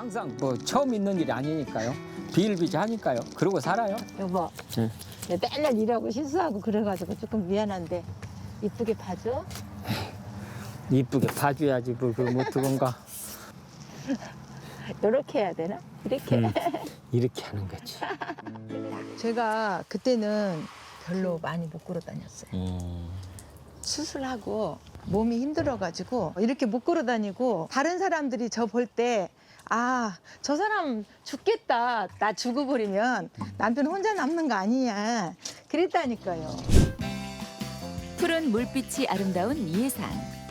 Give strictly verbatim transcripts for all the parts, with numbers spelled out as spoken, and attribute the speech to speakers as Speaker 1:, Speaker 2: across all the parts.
Speaker 1: 항상 뭐 처음 있는 일이 아니니까요. 비일비재하니까요. 그러고 살아요.
Speaker 2: 여보,
Speaker 1: 응.
Speaker 2: 내가 맨날 일하고 실수하고 그래가지고 조금 미안한데 이쁘게 봐줘.
Speaker 1: 이쁘게 봐줘야지 뭐 그걸 못 두건가.
Speaker 2: 이렇게 해야 되나? 이렇게.
Speaker 1: 응. 이렇게 하는 거지.
Speaker 2: 제가 그때는 별로 많이 못 걸어 다녔어요.
Speaker 1: 음.
Speaker 2: 수술하고 몸이 힘들어가지고 이렇게 못 걸어 다니고 다른 사람들이 저 볼 때 아, 저 사람 죽겠다. 나 죽어버리면 남편 혼자 남는 거 아니냐. 그랬다니까요.
Speaker 3: 푸른 물빛이 아름다운 이해산.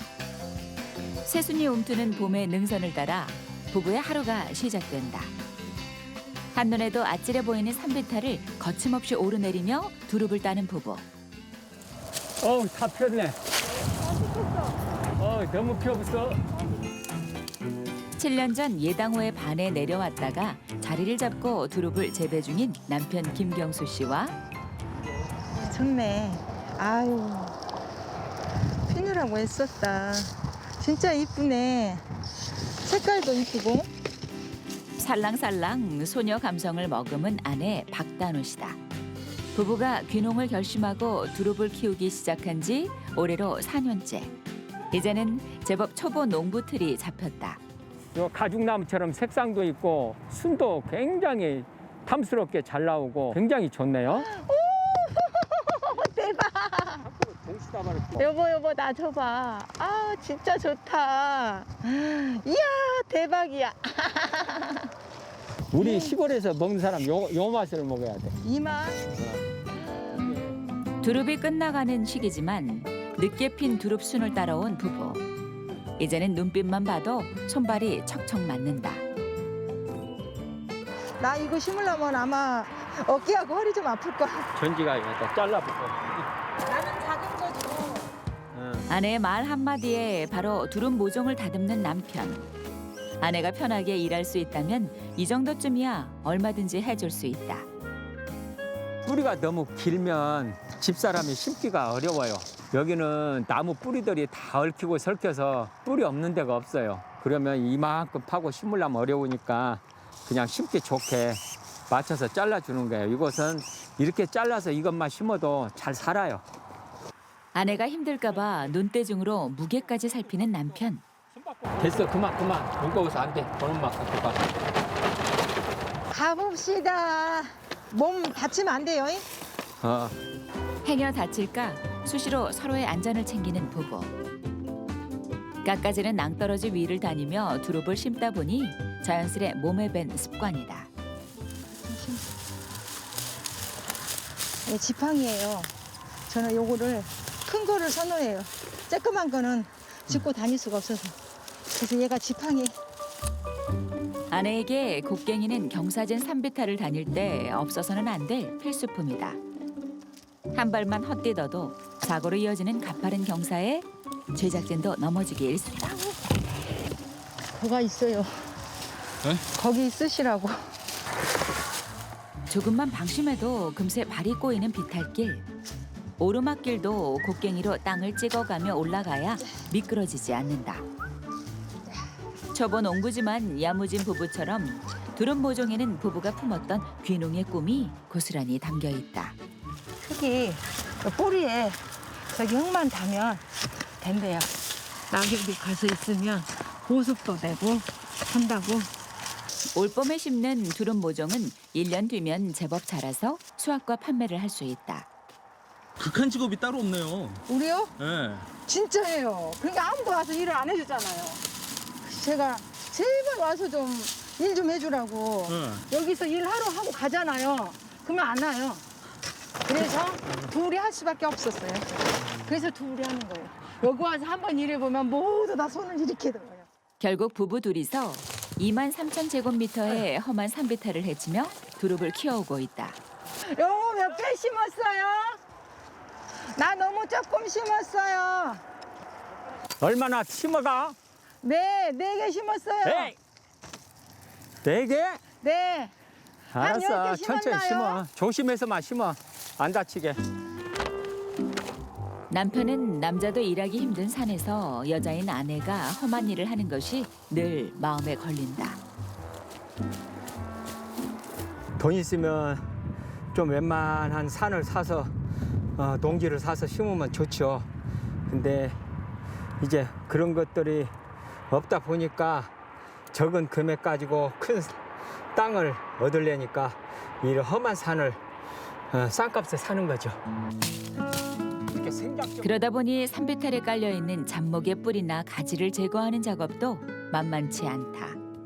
Speaker 3: 새순이 움트는 봄의 능선을 따라 부부의 하루가 시작된다. 한눈에도 아찔해 보이는 산비탈을 거침없이 오르내리며 두릅을 따는 부부.
Speaker 1: 어우 다 폈네. 어 너무 펴었어.
Speaker 3: 칠 년 전 예당호의 반에 내려왔다가 자리를 잡고 두릅을 재배 중인 남편 김경수 씨와
Speaker 2: 좋네. 아유, 피느라고 애썼다. 진짜 이쁘네. 색깔도 이쁘고.
Speaker 3: 살랑살랑 소녀 감성을 머금은 아내 박단우 씨다. 부부가 귀농을 결심하고 두릅을 키우기 시작한 지 올해로 사 년째. 이제는 제법 초보 농부틀이 잡혔다.
Speaker 1: 요 가죽나무처럼 색상도 있고 순도 굉장히 탐스럽게 잘 나오고 굉장히 좋네요.
Speaker 2: 대박. 여보, 여보, 나 줘봐. 아, 진짜 좋다. 이야, 대박이야.
Speaker 1: 우리 시골에서 먹는 사람 요, 요 맛을 먹어야 돼.
Speaker 2: 이마.
Speaker 3: 두릅이 끝나가는 시기지만 늦게 핀 두릅순을 따라온 부부. 이제는 눈빛만 봐도 손발이 척척 맞는다.
Speaker 2: 나 이거 심으려면 아마 어깨하고 허리 좀 아플 거야.
Speaker 1: 전지가 여기다 잘라붙고.
Speaker 2: 나는 작은 거죠.
Speaker 3: 아내의 말 한마디에 바로 두릅 모종을 다듬는 남편. 아내가 편하게 일할 수 있다면 이 정도쯤이야 얼마든지 해줄 수 있다.
Speaker 1: 뿌리가 너무 길면 집사람이 심기가 어려워요. 여기는 나무 뿌리들이 다 얽히고 설켜서 뿌리 없는 데가 없어요. 그러면 이만큼 파고 심으려면 어려우니까 그냥 심기 좋게 맞춰서 잘라주는 거예요. 이것은 이렇게 잘라서 이것만 심어도 잘 살아요.
Speaker 3: 아내가 힘들까 봐 눈대중으로 무게까지 살피는 남편.
Speaker 1: 됐어, 그만, 그만. 무거워서 안 돼. 그놈만 갖고 가.
Speaker 2: 가봅시다. 몸 다치면 안 돼요. 잉?
Speaker 1: 어.
Speaker 3: 행여 다칠까 수시로 서로의 안전을 챙기는 부부. 깎아지는 낭떠러지 위를 다니며 두릅을 심다 보니 자연스레 몸에 밴 습관이다.
Speaker 2: 예, 지팡이에요. 저는 요거를 큰 거를 선호해요. 쬐끄만 거는 짚고 다닐 수가 없어서. 그래서 얘가 지팡이.
Speaker 3: 아내에게 곡괭이는 경사진 산비탈을 다닐 때 없어서는 안 될 필수품이다. 한 발만 헛디뎌도 사고로 이어지는 가파른 경사에 제작진도 넘어지기 일쑤다.
Speaker 2: 뭐가 있어요. 거기 있으시라고.
Speaker 3: 조금만 방심해도 금세 발이 꼬이는 비탈길. 오르막길도 곡괭이로 땅을 찍어가며 올라가야 미끄러지지 않는다. 초보 농부지만 야무진 부부처럼 두릅 모종에는 부부가 품었던 귀농의 꿈이 고스란히 담겨 있다.
Speaker 2: 흙이 뿌리에 저기 흙만 닿으면 된대요. 낙엽이 가서 있으면 보습도 되고 한다고.
Speaker 3: 올봄에 심는 두릅 모종은 일 년 뒤면 제법 자라서 수확과 판매를 할 수 있다.
Speaker 4: 극한 직업이 따로 없네요.
Speaker 2: 우리요?
Speaker 4: 네.
Speaker 2: 진짜예요. 그러니까 아무도 와서 일을 안 해주잖아요. 제가 제발 와서 좀 일 좀 해주라고.
Speaker 4: 네.
Speaker 2: 여기서 일하러 하고 가잖아요. 그러면 안 와요. 그래서 둘이 할 수밖에 없었어요. 그래서 둘이 하는 거예요. 여기 와서 한번 일해보면 모두 다 손을 이렇게 들어요.
Speaker 3: 결국 부부 둘이서 이만 삼천 제곱미터의 험한 산비탈을 헤치며 두릅을 키워오고 있다.
Speaker 2: 요거 몇 개 심었어요? 나 너무 조금 심었어요.
Speaker 1: 얼마나 심어가?
Speaker 2: 네, 네 개 심었어요.
Speaker 1: 에이! 네 개?
Speaker 2: 네. 한 열
Speaker 1: 알았어.
Speaker 2: 개
Speaker 1: 천천히
Speaker 2: 심었나요?
Speaker 1: 심어. 조심해서만 심어. 안 다치게.
Speaker 3: 남편은 남자도 일하기 힘든 산에서 여자인 아내가 험한 일을 하는 것이 늘 마음에 걸린다.
Speaker 1: 돈 있으면 좀 웬만한 산을 사서 어, 농지를 사서 심으면 좋죠. 근데 이제 그런 것들이 없다 보니까 적은 금액 가지고 큰 땅을 얻으려니까 이 험한 산을 어, 싼값에 사는 거죠. 이렇게 생각적
Speaker 3: 그러다 보니 산비탈에 깔려 있는 잡목의 뿌리나 가지를 제거하는 작업도 만만치 않다.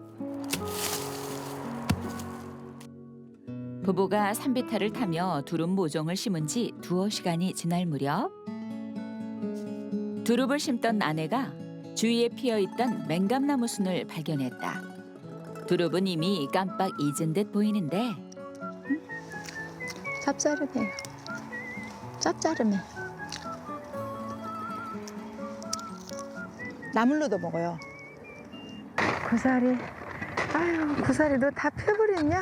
Speaker 3: 부부가 산비탈을 타며 두릅 모종을 심은 지 두어 시간이 지날 무렵 두릅을 심던 아내가 주위에 피어있던 맹감나무 순을 발견했다. 두릅은 이미 깜빡 잊은 듯 보이는데
Speaker 2: 짭짤하네요. 짭짤하네. 나물로도 먹어요. 고사리, 아유 고사리 너 다 펴버렸냐?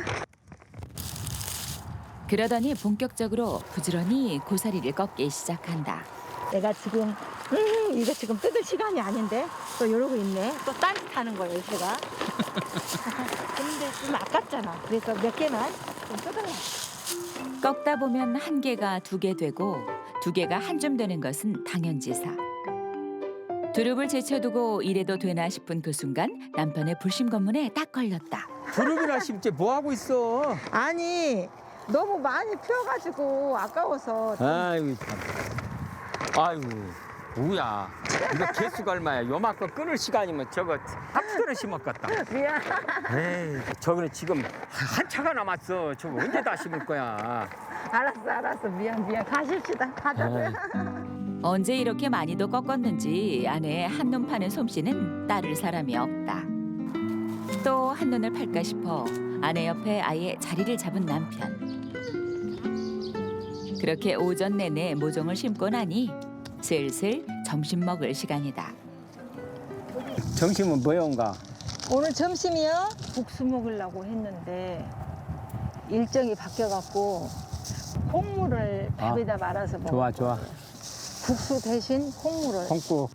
Speaker 3: 그러더니 본격적으로 부지런히 고사리를 꺾기 시작한다.
Speaker 2: 내가 지금 음, 이거 지금 뜯을 시간이 아닌데 또 이러고 있네. 또 딴짓하는 거예요, 제가. 근데 좀 아깝잖아. 그래서 몇 개만 좀 뜯어놔.
Speaker 3: 꺾다 보면 한 개가 두 개 되고 두 개가 한 줌 되는 것은 당연지사. 두릅을 제쳐두고 이래도 되나 싶은 그 순간 남편의 불심 검문에 딱 걸렸다.
Speaker 1: 두릅이나 심지 뭐 하고 있어?
Speaker 2: 아니 너무 많이 피워가지고 아까워서.
Speaker 1: 아이고 참. 아이고 뭐야? 이거 개수가 얼마야? 요만큼 끊을 시간이면 저거 합수를 심었겠다.
Speaker 2: 미안.
Speaker 1: 에이, 저거는 지금 한 차가 남았어. 저거 언제 다 심을 거야?
Speaker 2: 알았어, 알았어. 미안, 미안. 가십시다. 가자고요.
Speaker 3: 언제 이렇게 많이도 꺾었는지 아내의 한눈 파는 솜씨는 따를 사람이 없다. 또 한눈을 팔까 싶어 아내 옆에 아예 자리를 잡은 남편. 그렇게 오전 내내 모종을 심고 나니 슬슬 점심 먹을 시간이다.
Speaker 1: 점심은 뭐용가?
Speaker 2: 오늘 점심이요? 국수 먹으려고 했는데 일정이 바뀌어갖고 콩물을
Speaker 1: 아,
Speaker 2: 밥에다 말아서 먹어.
Speaker 1: 좋아 좋아.
Speaker 2: 국수 대신 콩물을.
Speaker 1: 콩국.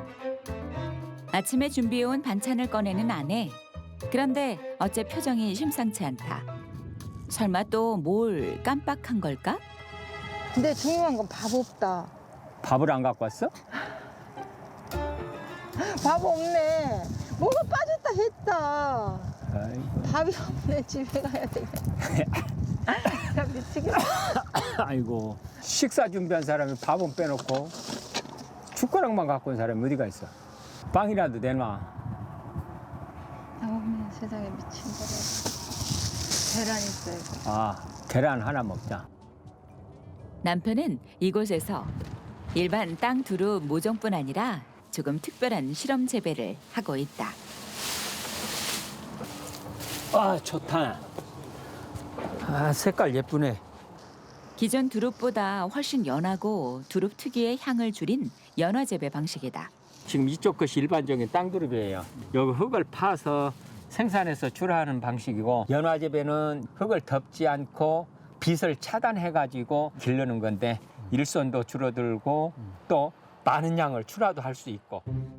Speaker 3: 아침에 준비해온 반찬을 꺼내는 아내. 그런데 어째 표정이 심상치 않다. 설마 또 뭘 깜빡한 걸까?
Speaker 2: 근데 중요한 건 밥 없다.
Speaker 1: 밥을 안 갖고 왔어?
Speaker 2: 밥 없네. 뭐가 빠졌다 했다.
Speaker 1: 아이고.
Speaker 2: 밥이 없네. 집에 가야 되겠네. 나 미치겠다.
Speaker 1: 아이고. 식사 준비한 사람이 밥은 빼놓고 숟가락만 갖고 온 사람이 어디가 있어? 빵이라도 내놔.
Speaker 2: 어머 세상에 미친 거래. 계란 있어요.
Speaker 1: 아, 계란 하나 먹자.
Speaker 3: 남편은 이곳에서 일반 땅 두릅 모종뿐 아니라 조금 특별한 실험 재배를 하고 있다.
Speaker 1: 아, 좋다. 아, 색깔 예쁘네.
Speaker 3: 기존 두릅보다 훨씬 연하고 두릅 특유의 향을 줄인 연화 재배 방식이다.
Speaker 1: 지금 이쪽 것이 일반적인 땅두릅이에요. 여기 흙을 파서 생산해서 출하하는 방식이고, 연화재배는 흙을 덮지 않고 빛을 차단해가지고 기르는 건데 일손도 줄어들고 또 많은 양을 출하도 할 수 있고.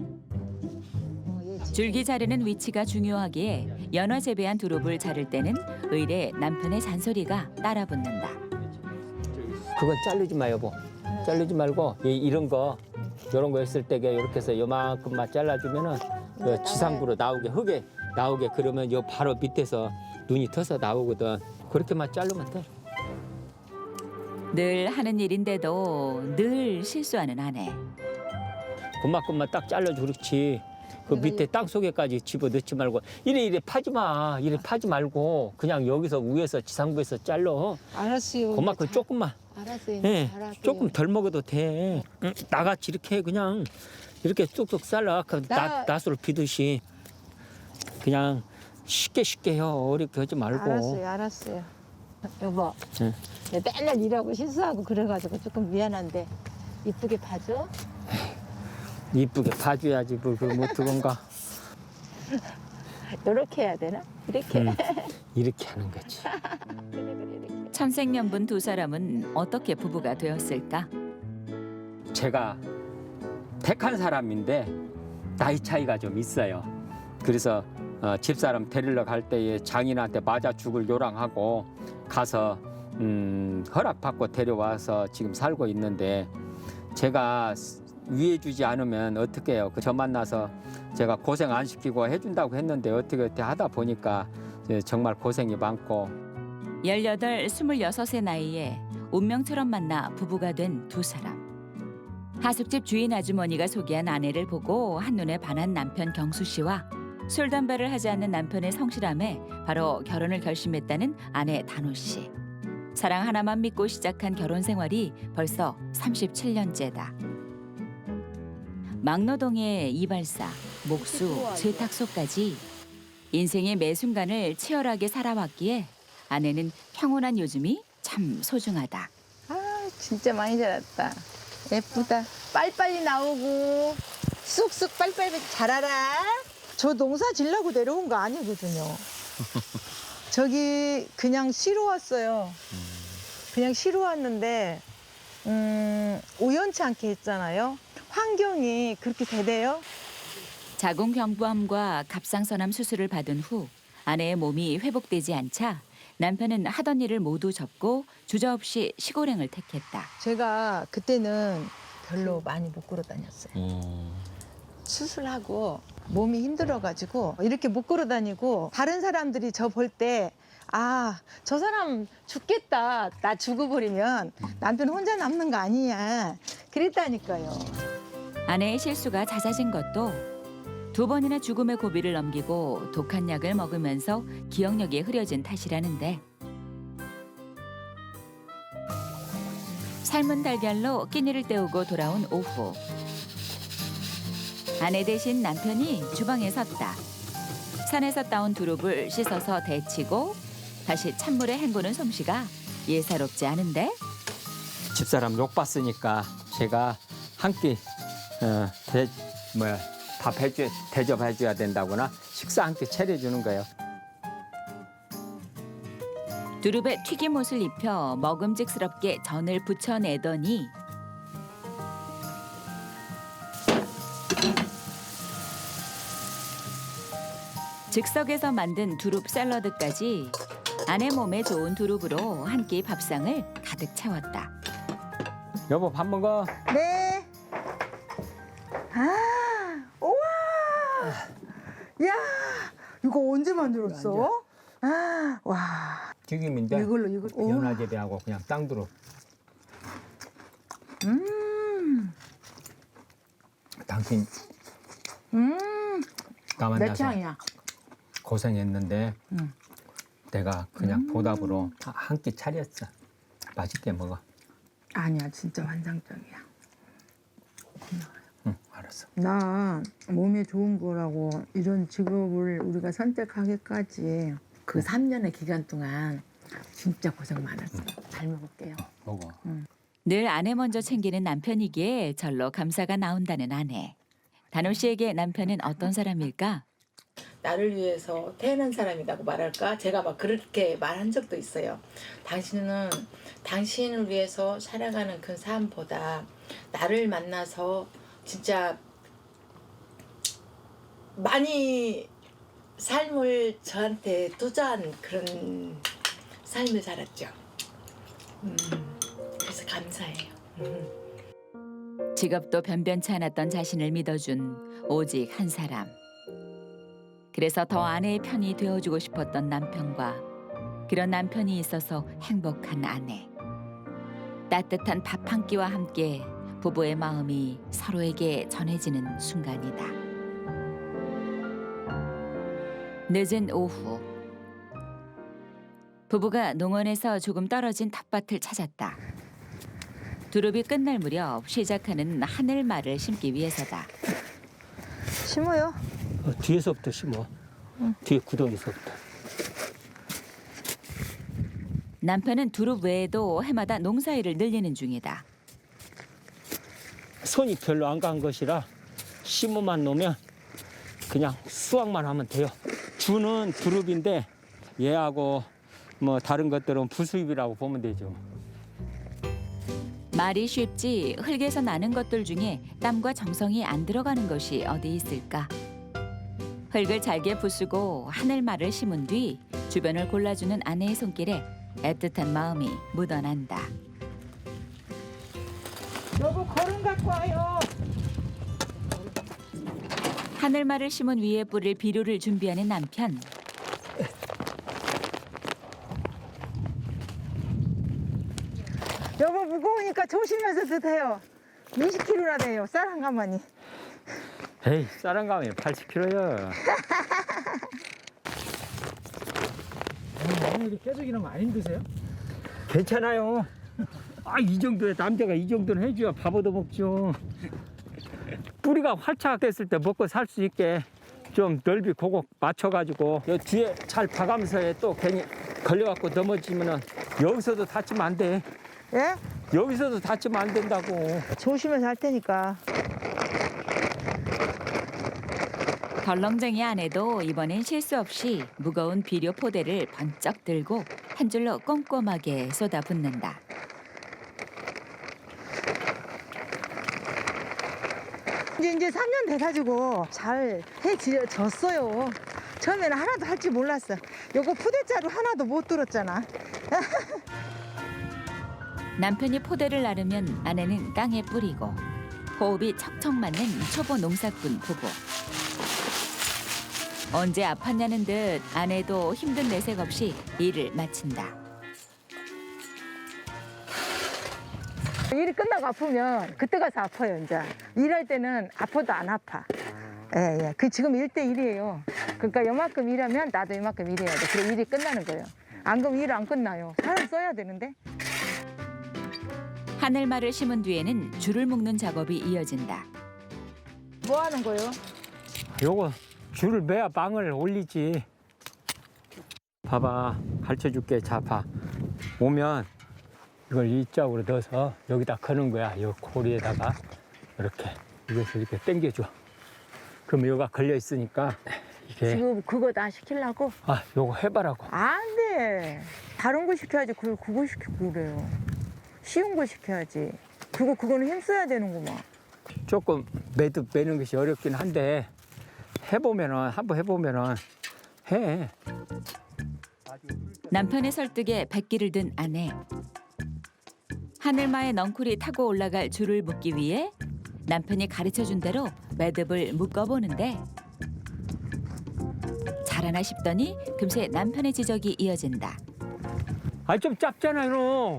Speaker 3: 줄기 자르는 위치가 중요하기에 연화 재배한 두릅을 자를 때는 의례 남편의 잔소리가 따라붙는다.
Speaker 1: 그건 자르지 마, 여보. 자르지 말고 이- 이런 거 이런 거 했을 때 이렇게 해서 요만큼만 잘라주면은 그 지상부로 나오게, 흙에 나오게. 그러면 요 바로 밑에서 눈이 터서 나오거든. 그렇게만 자르면 돼.
Speaker 3: 늘 하는 일인데도 늘 실수하는 아내.
Speaker 1: 그만큼만 딱 잘라줘. 그렇지. 그 밑에 땅 속에까지 집어넣지 말고 이래 이래 파지 마. 이래 파지 말고 그냥 여기서 위에서 지상부에서 잘라.
Speaker 2: 알았어요.
Speaker 1: 그만큼 조금만.
Speaker 2: 알았어요.
Speaker 1: 예,
Speaker 2: 잘할게요.
Speaker 1: 조금 덜 먹어도 돼. 응, 나같이 이렇게 그냥 이렇게 쑥쑥 잘라. 그
Speaker 2: 나-
Speaker 1: 나, 낫으로 비듯이 그냥 쉽게 쉽게 해요. 어렵게 하지 말고.
Speaker 2: 알았어요. 알았어요. 여보.
Speaker 1: 응.
Speaker 2: 내가 맨날 일하고 실수하고 그래가지고 조금 미안한데 이쁘게 봐줘.
Speaker 1: 이쁘게 봐줘야지. 뭐 그걸 뭐 어떡한가.
Speaker 2: 이렇게 해야 되나? 이렇게.
Speaker 1: 응, 이렇게 하는 거지.
Speaker 2: 그래 그래 이렇게.
Speaker 3: 천생연분 두 사람은 어떻게 부부가 되었을까?
Speaker 1: 제가 택한 사람인데 나이 차이가 좀 있어요. 그래서 어, 집사람 데리러 갈 때에 장인한테 맞아 죽을 요랑하고 가서 음, 허락받고 데려와서 지금 살고 있는데 제가 위해 주지 않으면 어떻게 해요? 저 만나서 제가 고생 안 시키고 해준다고 했는데 어떻게 어떻게 하다 보니까 정말 고생이 많고.
Speaker 3: 열여덟, 스물여섯의 나이에 운명처럼 만나 부부가 된 두 사람. 하숙집 주인 아주머니가 소개한 아내를 보고 한눈에 반한 남편 경수 씨와 술 담배를 하지 않는 남편의 성실함에 바로 결혼을 결심했다는 아내 단호 씨. 사랑 하나만 믿고 시작한 결혼 생활이 벌써 삼십칠 년째다. 막노동의 이발사, 목수, 세탁소까지 인생의 매 순간을 치열하게 살아왔기에 아내는 평온한 요즘이 참 소중하다.
Speaker 2: 아, 진짜 많이 자랐다. 예쁘다. 빨리빨리 나오고 쑥쑥 빨리빨리 자라라. 저 농사 지려고 내려온 거 아니거든요. 저기 그냥 쉬러 왔어요. 그냥 쉬러 왔는데 음, 우연치 않게 했잖아요. 환경이 그렇게 되대요.
Speaker 3: 자궁경부암과 갑상선암 수술을 받은 후 아내의 몸이 회복되지 않자 남편은 하던 일을 모두 접고 주저없이 시골행을 택했다.
Speaker 2: 제가 그때는 별로 많이 못 걸어 다녔어요.
Speaker 4: 어.
Speaker 2: 수술하고 몸이 힘들어가지고 이렇게 못 걸어 다니고 다른 사람들이 저 볼 때 아, 저 사람 죽겠다. 나 죽어버리면 남편 혼자 남는 거 아니냐. 그랬다니까요.
Speaker 3: 아내의 실수가 잦아진 것도 두 번이나 죽음의 고비를 넘기고 독한 약을 먹으면서 기억력이 흐려진 탓이라는데 삶은 달걀로 끼니를 때우고 돌아온 오후 아내 대신 남편이 주방에 섰다. 산에서 따온 두릅을 씻어서 데치고 다시 찬물에 헹구는 솜씨가 예사롭지 않은데
Speaker 1: 집사람 욕 봤으니까 제가 한 끼 어, 대, 뭐야 밥 해줘 대접해줘야 된다거나 식사 한 끼 차려주는 거예요.
Speaker 3: 두릅에 튀김옷을 입혀 먹음직스럽게 전을 부쳐내더니 즉석에서 만든 두릅 샐러드까지 아내 몸에 좋은 두릅으로 한 끼 밥상을 가득 채웠다.
Speaker 1: 여보 밥 먹어.
Speaker 2: 네. 아, 우와. 야, 이거 언제 만들었어? 아, 와.
Speaker 1: 튀김인데
Speaker 2: 이걸로 이거. 우와.
Speaker 1: 연화제비하고 그냥 땅두릅.
Speaker 2: 음,
Speaker 1: 당신
Speaker 2: 음,
Speaker 1: 나
Speaker 2: 내
Speaker 1: 만나서
Speaker 2: 취향이야.
Speaker 1: 고생했는데
Speaker 2: 응.
Speaker 1: 내가 그냥
Speaker 2: 음.
Speaker 1: 보답으로 한 끼 차렸어. 맛있게 먹어.
Speaker 2: 아니야, 진짜 환상적이야.
Speaker 1: 응, 알았어.
Speaker 2: 나 몸에 좋은 거라고 이런 직업을 우리가 선택하기까지 그 삼 년의 기간 동안 진짜 고생 많았어. 잘 먹을게요.
Speaker 1: 어, 먹어.
Speaker 3: 늘 아내 먼저 챙기는 남편이기에 절로 감사가 나온다는 아내. 단호 씨에게 남편은 어떤 사람일까?
Speaker 2: 나를 위해서 태어난 사람이라고 말할까? 제가 막 그렇게 말한 적도 있어요. 당신은 당신을 위해서 살아가는 그 삶보다 나를 만나서 진짜 많이 삶을 저한테 투자한 그런 삶을 살았죠. 음, 그래서 감사해요. 음.
Speaker 3: 직업도 변변치 않았던 자신을 믿어준 오직 한 사람. 그래서 더 아내의 편이 되어주고 싶었던 남편과 그런 남편이 있어서 행복한 아내. 따뜻한 밥 한 끼와 함께 부부의 마음이 서로에게 전해지는 순간이다. 늦은 오후 부부가 농원에서 조금 떨어진 텃밭을 찾았다. 두릅이 끝날 무렵 시작하는 하늘말을 심기 위해서다.
Speaker 2: 심어요.
Speaker 1: 어, 뒤에서부터 심어. 뒤에 구덩이서부터.
Speaker 3: 남편은 두릅 외에도 해마다 농사일을 늘리는 중이다.
Speaker 1: 손이 별로 안 간 것이라 심어만 놓으면 그냥 수확만 하면 돼요. 주는 두릅인데 얘하고 뭐 다른 것들은 부수입이라고 보면 되죠.
Speaker 3: 말이 쉽지 흙에서 나는 것들 중에 땀과 정성이 안 들어가는 것이 어디 있을까? 흙을 잘게 부수고 하늘말을 심은 뒤 주변을 골라주는 아내의 손길에 애틋한 마음이 묻어난다.
Speaker 2: 여보 거름 갖고 와요.
Speaker 3: 하늘말을 심은 위에 뿌릴 비료를 준비하는 남편.
Speaker 2: 여보 무거우니까 조심해서 드세요. 이십 킬로나 돼요. 쌀 한 가마니.
Speaker 1: 에이, 쌀한 가마에 팔십 킬로야.
Speaker 4: 어머니 깨죽이는 거 안 힘드세요?
Speaker 1: 괜찮아요. 아, 이 정도에 남자가 이 정도는 해줘야 밥 얻어 먹죠. 뿌리가 활착 됐을 때 먹고 살 수 있게 좀 넓이 고고 맞춰가지고 요 뒤에 잘 봐가면서 해. 또 괜히 걸려갖고 넘어지면은 여기서도 다치면 안 돼.
Speaker 2: 예?
Speaker 1: 여기서도 다치면 안 된다고.
Speaker 2: 조심해서 할 테니까.
Speaker 3: 덜렁쟁이 아내도 이번엔 실수 없이 무거운 비료 포대를 번쩍 들고 한 줄로 꼼꼼하게 쏟아붓는다.
Speaker 2: 이제 이제 삼 년 돼가지고 잘 해졌어요. 처음에는 하나도 할 줄 몰랐어. 요거 푸대자루 하나도 못 들었잖아.
Speaker 3: 남편이 포대를 나르면 아내는 땅에 뿌리고 호흡이 척척 맞는 초보 농사꾼 부부. 언제 아팠냐는 듯 아내도 힘든 내색 없이 일을 마친다.
Speaker 2: 일이 끝나고 아프면 그때 가서 아파요. 이제 일할 때는 아파도 안 아파. 예, 예. 그 지금 일 대 일이에요. 그러니까 요만큼 일하면 나도 이만큼 일해야 돼. 그래 일이 끝나는 거예요. 안 그러면 일 안 끝나요. 사람 써야 되는데.
Speaker 3: 하늘말을 심은 뒤에는 줄을 묶는 작업이 이어진다.
Speaker 2: 뭐 하는 거예요?
Speaker 1: 요거 줄을 매야 망을 올리지. 봐봐, 가르쳐 줄게. 자, 봐. 오면 이걸 이쪽으로 넣어서 여기다 거는 거야. 요 고리에다가 이렇게 이것을 이렇게 당겨줘. 그럼 여기가 걸려 있으니까 이게
Speaker 2: 지금 그거 나 시키려고?
Speaker 1: 아, 요거 해봐라고.
Speaker 2: 안 돼. 다른 거 시켜야지. 그걸 그거 시키고 그래요. 쉬운 거 시켜야지. 그거 그거는 힘써야 되는구만.
Speaker 1: 조금 매듭 매는 것이 어렵긴 한데 해보면은 한번 해보면은 해.
Speaker 3: 남편의 설득에 백기를 든 아내. 하늘마의 넝쿨이 타고 올라갈 줄을 묶기 위해 남편이 가르쳐준 대로 매듭을 묶어보는데 잘하나 싶더니 금세 남편의 지적이 이어진다.
Speaker 1: 아, 좀 짧잖아요, 너.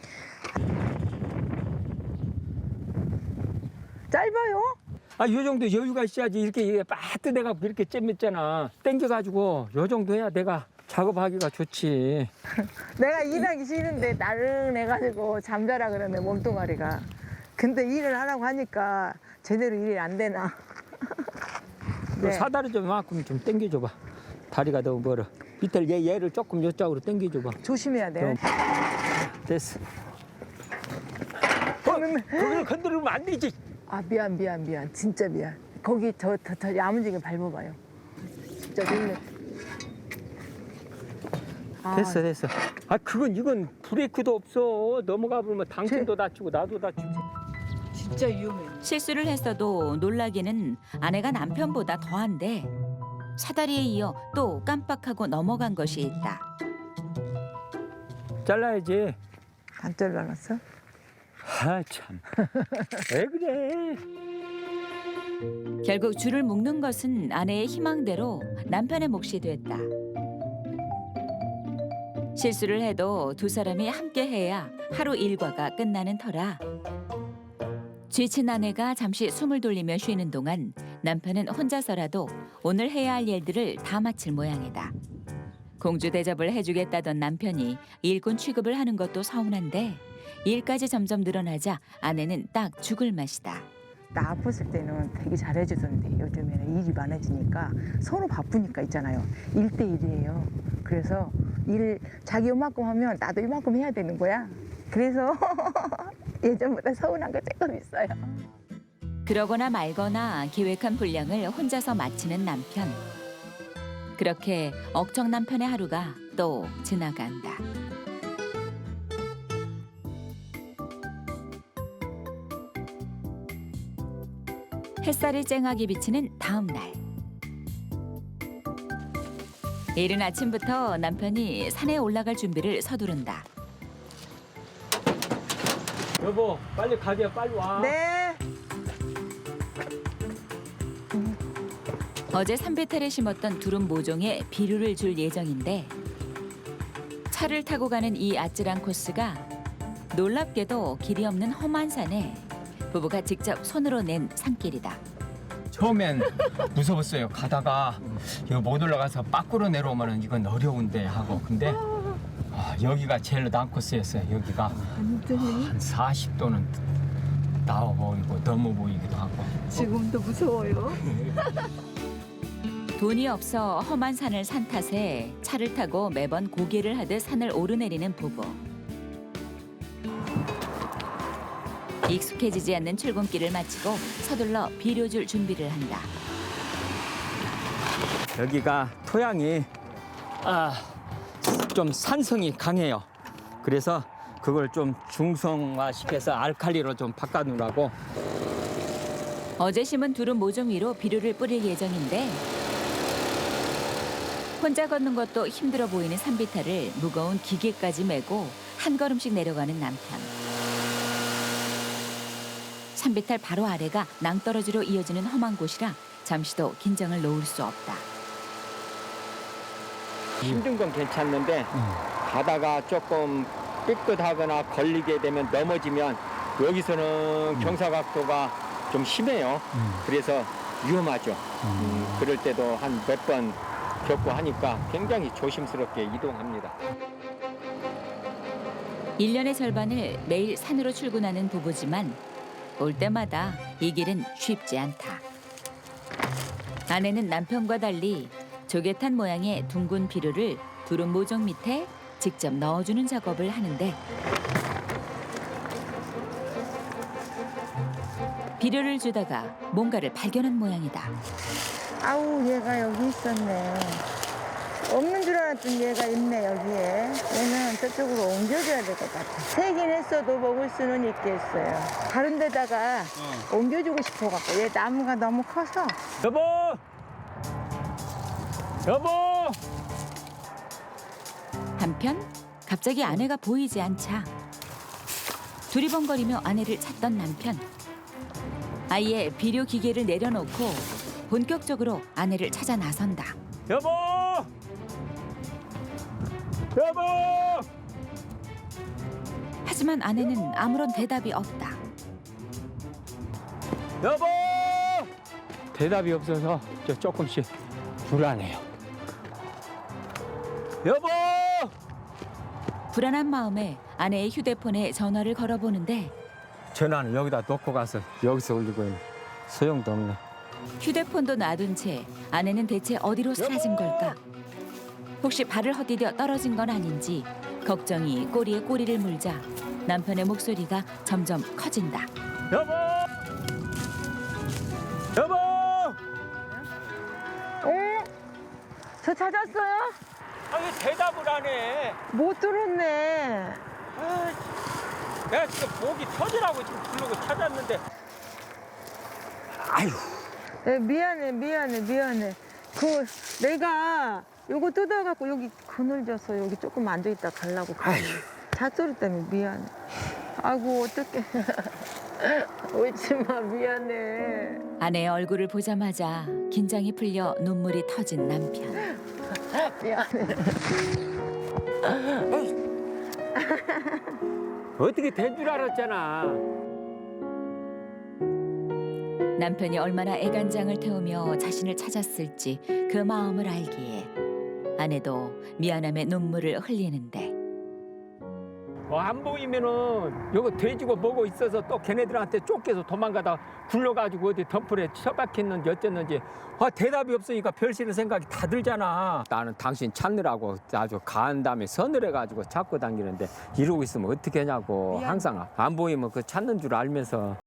Speaker 2: 짧아요?
Speaker 1: 아, 요 정도 여유가 있어야지. 이렇게 이게 빠뜨내갖고 이렇게 잼맸잖아. 땡겨가지고 요 정도 해야 내가 작업하기가 좋지.
Speaker 2: 내가 일하기 싫은데 나른해가지고 잠자라 그러네 몸뚱아리가. 근데 일을 하라고 하니까 제대로 일이 안 되나.
Speaker 1: 네. 사다리 좀 이만큼 좀 당겨줘봐. 다리가 너무 멀어. 밑에 얘, 얘를 조금 이쪽으로 당겨줘봐.
Speaker 2: 조심해야 돼.
Speaker 1: 그럼. 됐어. 어, 그걸 건드리면 안 되지.
Speaker 2: 아 미안 미안 미안 진짜 미안. 거기 저 더 더 야무지게 밟아봐요. 진짜 놀래. 아,
Speaker 1: 됐어, 됐어. 아, 그건 이건 브레이크도 없어. 넘어가 보면 당신도 다치고 나도 다치고.
Speaker 2: 진짜 위험해.
Speaker 3: 실수를 했어도 놀라기는 아내가 남편보다 더한데 사다리에 이어 또 깜빡하고 넘어간 것이 있다.
Speaker 1: 잘라야지.
Speaker 2: 안 잘라놨어?
Speaker 1: 아, 참. 왜 그래?
Speaker 3: 결국 줄을 묶는 것은 아내의 희망대로 남편의 몫이 됐다. 실수를 해도 두 사람이 함께 해야 하루 일과가 끝나는 터라. 지친 아내가 잠시 숨을 돌리며 쉬는 동안 남편은 혼자서라도 오늘 해야 할 일들을 다 마칠 모양이다. 공주 대접을 해주겠다던 남편이 일꾼 취급을 하는 것도 서운한데 일까지 점점 늘어나자 아내는 딱 죽을 맛이다.
Speaker 2: 나 아팠을 때는 되게 잘해주던데 요즘에는 일이 많아지니까 서로 바쁘니까 있잖아요. 일 대 일이에요. 그래서 일 자기 요만큼 하면 나도 이만큼 해야 되는 거야. 그래서 예전보다 서운한 거 조금 있어요.
Speaker 3: 그러거나 말거나 계획한 분량을 혼자서 마치는 남편. 그렇게 억정 남편의 하루가 또 지나간다. 햇살이 쨍하게 비치는 다음 날. 이른 아침부터 남편이 산에 올라갈 준비를 서두른다.
Speaker 1: 여보, 빨리 가게, 빨리 와.
Speaker 2: 네.
Speaker 3: 어제 산비탈에 심었던 두릅 모종에 비료를 줄 예정인데 차를 타고 가는 이 아찔한 코스가 놀랍게도 길이 없는 험한 산에 부부가 직접 손으로 낸 산길이다.
Speaker 1: 처음엔 무서웠어요. 가다가 이거 못 올라가서 밖으로 내려오면 이건 어려운데 하고. 근데 아, 여기가 제일 난 코스였어요. 여기가 한 사십 도는 나와 보이고 넘어 보이기도 하고.
Speaker 2: 지금도 무서워요.
Speaker 3: 돈이 없어 험한 산을 산 탓에 차를 타고 매번 고개를 하듯 산을 오르내리는 부부. 익숙해지지 않는 출근길을 마치고 서둘러 비료 줄 준비를 한다.
Speaker 1: 여기가 토양이 아, 좀 산성이 강해요. 그래서 그걸 좀 중성화시켜서 알칼리로 좀 바꿔놓으라고.
Speaker 3: 어제 심은 두릅 모종 위로 비료를 뿌릴 예정인데 혼자 걷는 것도 힘들어 보이는 산비탈을 무거운 기계까지 메고 한 걸음씩 내려가는 남편. 산비탈 바로 아래가 낭떠러지로 이어지는 험한 곳이라 잠시도 긴장을 놓을 수 없다.
Speaker 1: 힘든 건 괜찮는데 가다가 조금 삐끗하거나 걸리게 되면 넘어지면 여기서는 경사각도가 좀 심해요. 그래서 위험하죠. 음, 그럴 때도 한 몇 번 겪고 하니까 굉장히 조심스럽게 이동합니다.
Speaker 3: 일 년의 절반을 매일 산으로 출근하는 부부지만 올 때마다 이 길은 쉽지 않다. 아내는 남편과 달리 조개탄 모양의 둥근 비료를 두릅 모종 밑에 직접 넣어주는 작업을 하는데 비료를 주다가 뭔가를 발견한 모양이다.
Speaker 2: 아우, 얘가 여기 있었네. 없는 줄 알았더니 얘가 있네, 여기에. 얘는 저쪽으로 옮겨줘야 될 것 같아. 세긴 했어도 먹을 수는 있겠어요. 다른 데다가
Speaker 4: 어.
Speaker 2: 옮겨주고 싶어갖고. 얘 나무가 너무 커서.
Speaker 1: 여보! 여보!
Speaker 3: 한편 갑자기 아내가 보이지 않자 두리번거리며 아내를 찾던 남편. 아예 비료 기계를 내려놓고 본격적으로 아내를 찾아 나선다.
Speaker 1: 여보! 여보!
Speaker 3: 하지만 아내는 아무런 대답이 없다.
Speaker 1: 여보! 대답이 없어서 저 조금씩 불안해요. 여보!
Speaker 3: 불안한 마음에 아내의 휴대폰에 전화를 걸어보는데
Speaker 1: 전화는 여기다 놓고 가서 여기서 울리고 있는 소용도 없네.
Speaker 3: 휴대폰도 놔둔 채 아내는 대체 어디로 사라진 걸까? 혹시 발을 헛디뎌 떨어진 건 아닌지 걱정이 꼬리에 꼬리를 물자 남편의 목소리가 점점 커진다.
Speaker 1: 여보! 여보!
Speaker 2: 어? 저 찾았어요?
Speaker 1: 아니 대답을 안 해.
Speaker 2: 못 들었네.
Speaker 1: 아, 내가 지금 목이 터지라고 지금 부르고 찾았는데. 아유.
Speaker 2: 네, 미안해, 미안해, 미안해. 그 내가 요거 뜯어갖고 여기 그늘져서 여기 조금 앉아있다 가려고.
Speaker 1: 아유.
Speaker 2: 잣소리 때문에 미안해. 아이고, 어떡해. 울지마, 미안해.
Speaker 3: 아내의 얼굴을 보자마자 긴장이 풀려 눈물이 터진 남편.
Speaker 2: 미안해.
Speaker 1: 어떻게 된 줄 알았잖아.
Speaker 3: 남편이 얼마나 애간장을 태우며 자신을 찾았을지 그 마음을 알기에 아내도 미안함에 눈물을 흘리는데
Speaker 1: 뭐 안 보이면은 요거 돼지고 뭐고 있어서 또 걔네들한테 쫓겨서 도망가다 굴러가지고 어디 덤불에 처박혔는지 어쨌는지 아, 대답이 없으니까 별시는 생각이 다 들잖아. 나는 당신 찾느라고 아주 가한 다음에 서늘해가지고 찾고 다니는데 이러고 있으면 어떻게 하냐고.
Speaker 2: 미안.
Speaker 1: 항상 안 보이면 그 찾는 줄 알면서